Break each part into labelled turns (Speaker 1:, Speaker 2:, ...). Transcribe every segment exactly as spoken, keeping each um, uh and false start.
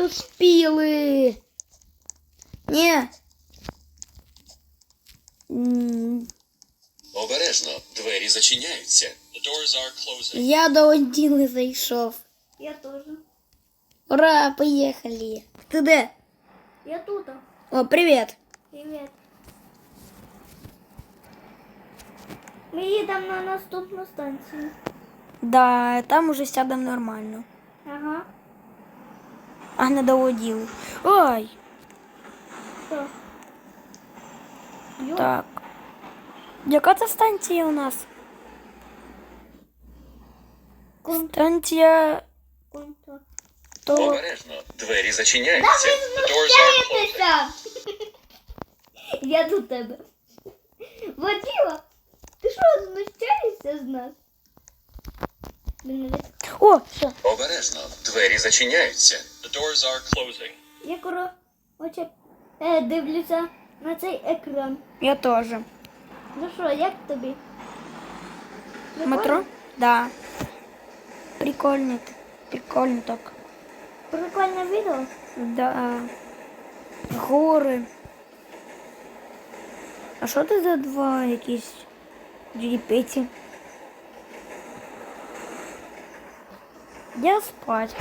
Speaker 1: успіли. Ні. М,
Speaker 2: Обережно, двері зачиняються. The doors are closing.
Speaker 1: Я до Оділи зайшов.
Speaker 3: Я тоже.
Speaker 1: Ура, поїхали. Ти де?
Speaker 3: Я тут.
Speaker 1: О, привіт.
Speaker 3: Привет. Ми їдемо на наступну станцію.
Speaker 1: Да, там уже сядемо нормально.
Speaker 3: Ага.
Speaker 1: А не до Оділи. Ой,
Speaker 3: Що? Йо.
Speaker 1: так. Яка це станція у нас?
Speaker 3: Кон-
Speaker 1: Станція
Speaker 3: контакт.
Speaker 1: то...
Speaker 2: Обережно, двері зачиняються. The doors are closing.
Speaker 3: Знущаєтеся! Я до тебе. Воділа, ти що, знущаєшся з нас? Блін, не
Speaker 1: О, все.
Speaker 2: Обережно, двері зачиняються. The doors are closing.
Speaker 3: Я коротше е, дивлюся на цей екран.
Speaker 1: Я теж.
Speaker 3: Ну що, як тобі? Прикольно?
Speaker 1: Метро? Да. Прикольно. Прикольно так.
Speaker 3: Прикольне відео.
Speaker 1: Да. Гори. А що це за два якісь джерепеті? Я спать.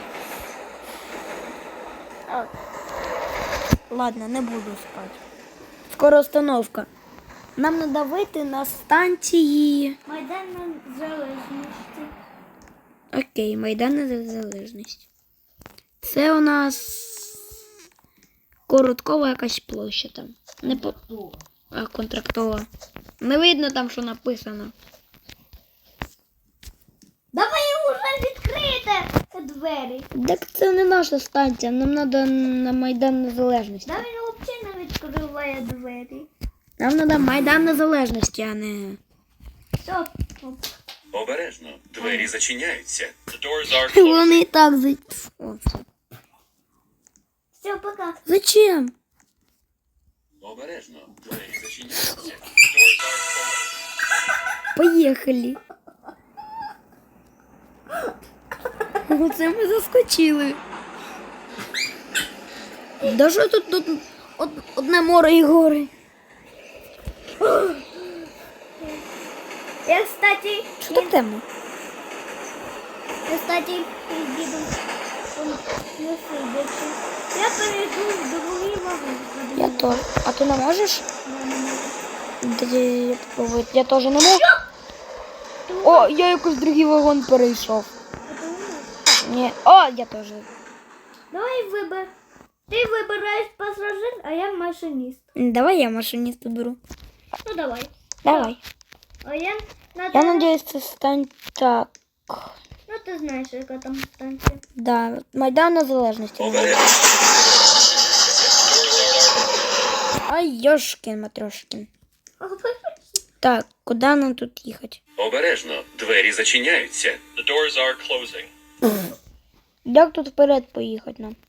Speaker 1: А. Ладно, не буду спати. Скоро остановка. Нам треба вийти на станції.
Speaker 3: Майдан Незалежності.
Speaker 1: Окей, Майдан Незалежності. Це у нас короткова якась площа там. Не по... А, контрактова. Не видно там, що написано.
Speaker 3: Давай уже відкрийте двері.
Speaker 1: Так це не наша станція, нам треба на Майдан Незалежності.
Speaker 3: Да він взагалі не відкриває двері.
Speaker 1: Нам треба Майдан Незалежності, а не...
Speaker 3: Все. Оп.
Speaker 2: Обережно, двері зачиняються. The doors are closing.
Speaker 1: Вони і так за... О, все.
Speaker 3: Все, пока.
Speaker 1: Зачем?
Speaker 2: Обережно, двері зачиняються. The doors are closing.
Speaker 1: Поїхали. Оце ми заскочили. Да що тут, тут од, одне море і гори?
Speaker 3: Я, кстати,
Speaker 1: Що так темно?
Speaker 3: я, кстати, їду не сидячи. Я перейду в другий вагон.
Speaker 1: Я то. А ти не можеш?
Speaker 3: Я не можу.
Speaker 1: Тоді я попробую. Я теж не можу. О, я якось другий вагон перейшов.
Speaker 3: А ти не можеш?
Speaker 1: Ні. О, я теж.
Speaker 3: Давай вибер. Ти вибираєш пасажир, а я машиніст.
Speaker 1: Давай я машиніста беру.
Speaker 3: Ну давай.
Speaker 1: Давай.
Speaker 3: А я на
Speaker 1: Я
Speaker 3: тебе-
Speaker 1: надіюсь, це стане так.
Speaker 3: Ну ти знаєш, яка там станція.
Speaker 1: Да, Майдан Незалежності.
Speaker 2: Обережно.
Speaker 1: Ай, Йошкін, Матрошкін. Так, куди нам тут їхати?
Speaker 2: Обережно, двері зачиняються. The doors are closing.
Speaker 1: Як тут вперед поїхати нам?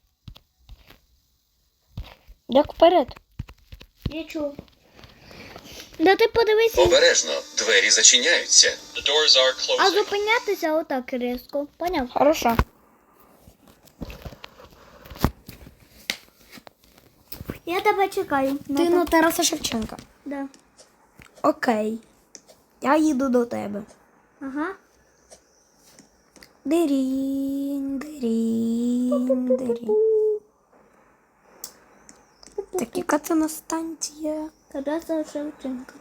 Speaker 1: Як вперед?
Speaker 3: Я чув. Да ти подивися.
Speaker 2: Обережно, двері зачиняються. The doors are
Speaker 3: А
Speaker 2: closing.
Speaker 3: зупинятися отак різко. Поняв?
Speaker 1: Хорошо.
Speaker 3: Я тебе чекаю.
Speaker 1: Ти на Тараса Шевченка.
Speaker 3: Да.
Speaker 1: Окей. Я їду до тебе.
Speaker 3: Ага.
Speaker 1: Дирінь, дирінь, дирінь. Так, яка це на станція?
Speaker 3: Тараса Шевченка.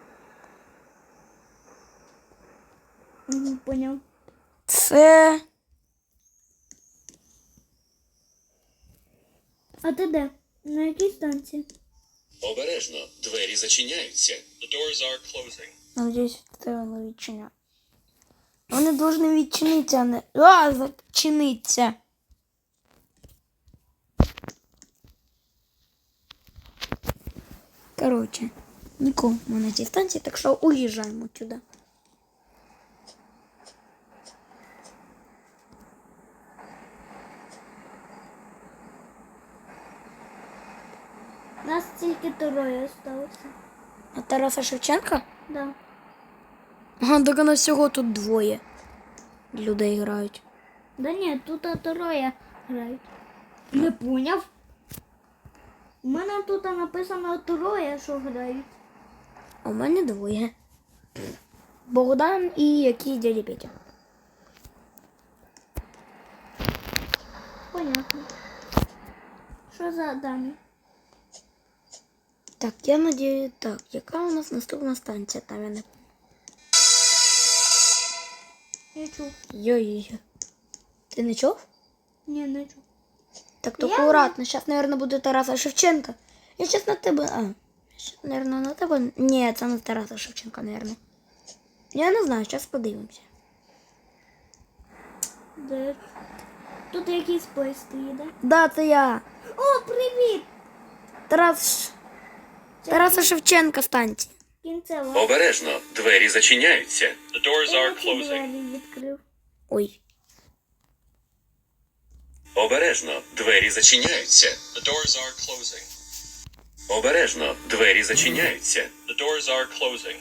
Speaker 3: Угу, поняв.
Speaker 1: Це...
Speaker 3: А ти де? На якій станції?
Speaker 2: Обережно, двері зачиняються. The doors are closing.
Speaker 1: Надіюсь, це воно відчиняє. Вони повинні відчинитися, а не... А, зачиниться. Короче, нікому на цій станції, так що уїжджаємо сюди.
Speaker 3: Нас тільки троє залишилося.
Speaker 1: А Тараса Шевченка?
Speaker 3: Да.
Speaker 1: Ага, так у нас всього тут двоє людей грають.
Speaker 3: Да ні, тут троє грають. Не поняв. У мене тут написано троє, що грають.
Speaker 1: А у мене двоє. Богдан і якийсь дядя Петя.
Speaker 3: Понятно. Що за дані?
Speaker 1: Так, я надію, так, яка у нас наступна станція? Там я не...
Speaker 3: Я чув.
Speaker 1: Йой-йой. Ти не чув?
Speaker 3: Ні, не чув.
Speaker 1: Так то
Speaker 3: Я
Speaker 1: акуратно. Зараз, мабуть, буде Тараса Шевченка. Я зараз на тебе... А, щас, мабуть, на тебе... Ні, це не Тараса Шевченка, мабуть. Я не знаю, зараз подивимося.
Speaker 3: Де? Тут якийсь поїзд стоїть, да?
Speaker 1: Да, це я.
Speaker 3: О, привіт!
Speaker 1: Тарас... Тараса Шевченка станція.
Speaker 3: Кінцева.
Speaker 2: Обережно, двері зачиняються. The doors
Speaker 3: Я
Speaker 2: are
Speaker 3: які
Speaker 2: closing.
Speaker 3: двері відкрив.
Speaker 1: Ой.
Speaker 2: Обережно, двері зачиняються. The doors are closing. Обережно, двері зачиняються. The doors are closing.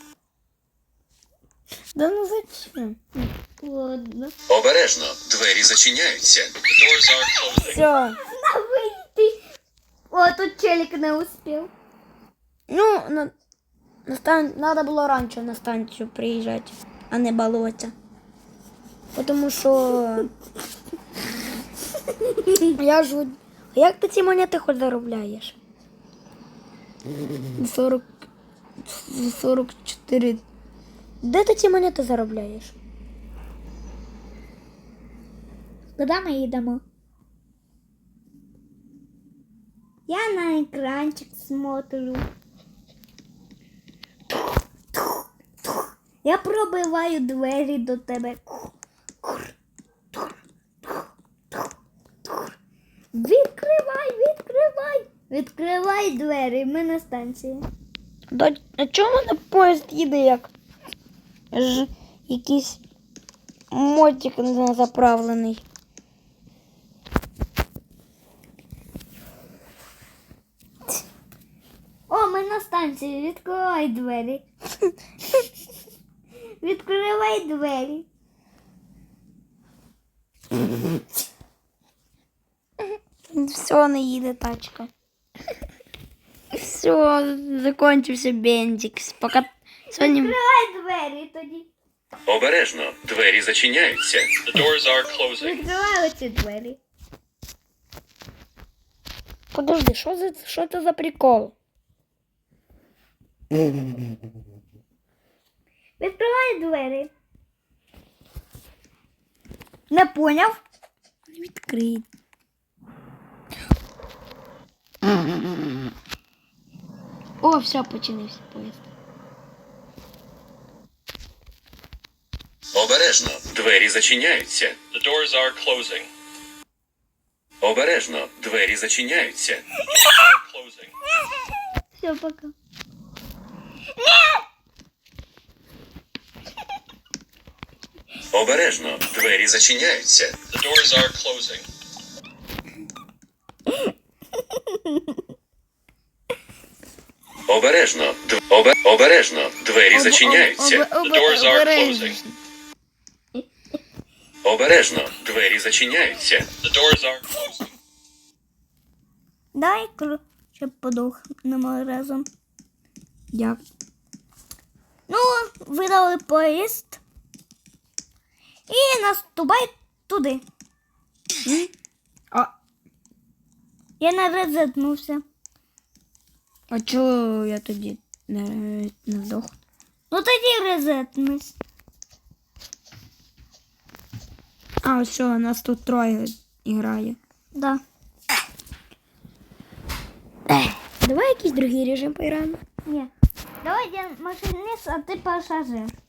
Speaker 1: Да ну зачем?
Speaker 3: Ладно.
Speaker 2: Обережно, двері зачиняються. The doors are closing.
Speaker 1: Все.
Speaker 3: На вийти. О, тут челік не успів.
Speaker 1: Ну, на, на стан... надо було раніше на станцію приїжджати, а не балуватися. Тому що... Я ж... Як ти ці монети хоч заробляєш? сорок... сорок чотири... Де ти ці монети заробляєш?
Speaker 3: Куди ми їдемо? Я на екранчик смотрю. Я пробиваю двері до тебе. Відкривай, відкривай! Відкривай двері, ми на станції.
Speaker 1: До... А чому на поїзд їде як? Ж... Якийсь мотик не заправлений.
Speaker 3: О, ми на станції, відкривай двері. Відкривай двері.
Speaker 1: Все, не їде тачка. Все, закончився бензик. Пока... Сьогодні...
Speaker 3: Відкривай двері тоді.
Speaker 2: Обережно, двері зачиняються. The doors are closing.
Speaker 3: Відкривай оці двері.
Speaker 1: Подожди, що за що це за прикол?
Speaker 3: Відкривай двері. Не поняв?
Speaker 1: Відкрий. О, все, починився поїзд.
Speaker 2: Обережно, двері зачиняються. The doors are closing. Обережно, двері зачиняються. The doors are closing.
Speaker 3: Все, пока.
Speaker 2: Обережно, двері зачиняються. The doors are closing. Обережно, д... обе... обережно, двері зачиняються. The doors are closing. Обережно, двері зачиняються. The doors are closing.
Speaker 3: Дай щоб подохнемо разом.
Speaker 1: Як?
Speaker 3: Ну, видали поїзд. І наступай туди.
Speaker 1: М? А,
Speaker 3: Я не резетнувся.
Speaker 1: а чого я тоді не, не здох?
Speaker 3: Ну тоді резетнусь.
Speaker 1: А, ось що, нас тут троє грає.
Speaker 3: Да.
Speaker 1: Давай якийсь другий режим поіграємо.
Speaker 3: Ні. Давай я машиніст, а ти пасажир.